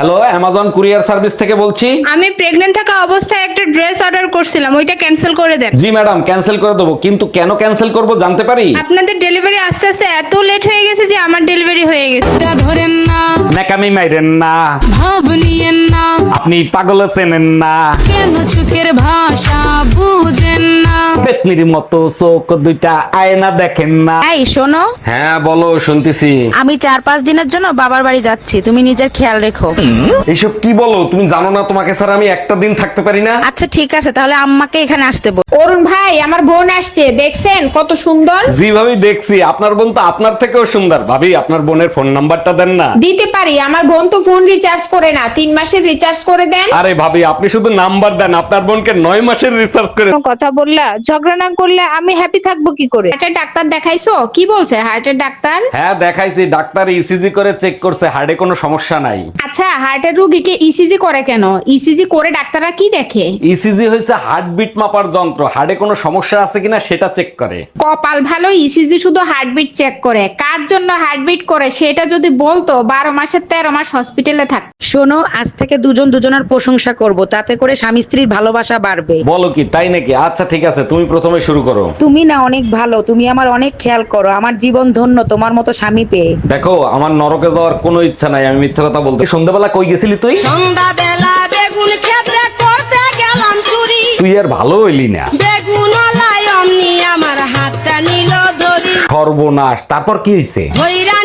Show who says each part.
Speaker 1: Hello, Amazon courier service থেকে বলছি।
Speaker 2: আমি প্রেগন্যান্ট থাকা অবস্থায় একটা ড্রেস অর্ডার করছিলাম, ওইটা ক্যান্সেল করে দেন।
Speaker 1: জি ম্যাডাম, ক্যান্সেল করে দেবো, কিন্তু কেন ক্যান্সেল করব জানতে পারি?
Speaker 2: আপনাদের ডেলিভারি আস্তে আস্তে এত লেট হয়ে গেছে যে আমার ডেলিভারি হয়ে গেছে।
Speaker 3: ধরেন না,
Speaker 1: ন্যাকামি মাইরেন না,
Speaker 3: ভাব নিয়েন না,
Speaker 1: আপনি পাগল চেনেন না।
Speaker 3: কেন চোখের ভাষা বুঝেন না।
Speaker 1: পেতনির মতো চোখ দুইটা আয়না দেখেন না।
Speaker 4: এই শোনো,
Speaker 1: হ্যাঁ বলো, শুনতেছি।
Speaker 4: আমি 4-5 দিনের জন্য বাবার বাড়ি যাচ্ছি, তুমি নিজের খেয়াল রেখো।
Speaker 1: এইসব কি বলো? তুমি জানো না তোমাকে ছাড়া আমি একটা দিন থাকতে পারি না?
Speaker 4: আচ্ছা ঠিক আছে, তাহলে আম্মাকে এখানে আসতে বল।
Speaker 2: অরুণ ভাই, আমার বোন আসছে, দেখছেন কত সুন্দর?
Speaker 1: জি ভাবি, দেখছি। আপনার বোন তো আপনার থেকেও সুন্দর। ভাবি, আপনার বোনের ফোন নাম্বারটা দেন না।
Speaker 2: দিতে পারি, আমার বোন তো ফোন রিচার্জ করে না, 3 মাসের রিচার্জ করে দেন।
Speaker 1: আরে ভাবি, আপনি শুধু নাম্বার দেন, আপনার বোনকে 9 মাসের রিসার্চ করে।
Speaker 2: কথা বললা, ঝগড়া না করলে আমি হ্যাপি থাকবো কি করে? হার্টের ডাক্তার দেখাইছো? কি বলছে হার্টের ডাক্তার?
Speaker 1: হ্যাঁ দেখাইছি, ডাক্তার ইসিজি করে চেক করছে, হার্টে কোনো সমস্যা নাই।
Speaker 2: আচ্ছা, হার্টের রোগীকে ইসিজি করে কেন? ইসিজি করে ডাক্তাররা কি দেখে?
Speaker 1: ইসিজি হয়েছে হার্টবিট মাপার যন্ত্র, হার্টে কোনো সমস্যা আছে কিনা সেটা চেক করে।
Speaker 2: কপাল ভালো, ইসিজি শুধু হার্টবিট চেক করে। কার জন্য হার্টবিট করে সেটা যদি বলতো, 12 মাসের 13 মাস হসপিটালে থাক।
Speaker 4: শোনো, আজ থেকে দুজন দুজনের প্রশংসা করব, তাতে করে স্বামী স্ত্রীর ভালোবাসা বাড়বে।
Speaker 1: বলো কি, তাই নাকি? আচ্ছা ঠিক আছে, তুমি প্রথমে শুরু করো।
Speaker 4: তুমি না অনেক ভালো, তুমি আমার অনেক খেয়াল করো, আমার জীবন ধন্য তোমার মতো স্বামী পেয়ে।
Speaker 1: দেখো, আমার নরকে যাওয়ার কোনো ইচ্ছা নাই, আমি মিথ্যা কথা বলতে। সন্ধ্যাবেলা কই গেছিলি তুই?
Speaker 3: সন্ধ্যাবেলা বেগুন ক্ষেত্রে করতে গেলাম চুরি,
Speaker 1: তুই আর ভালো হইলি না।
Speaker 3: বেগুন অমনি আমার হাতটা নিল ধরি,
Speaker 1: সর্বনাশ, তারপর কি হয়েছে?
Speaker 3: ধইরা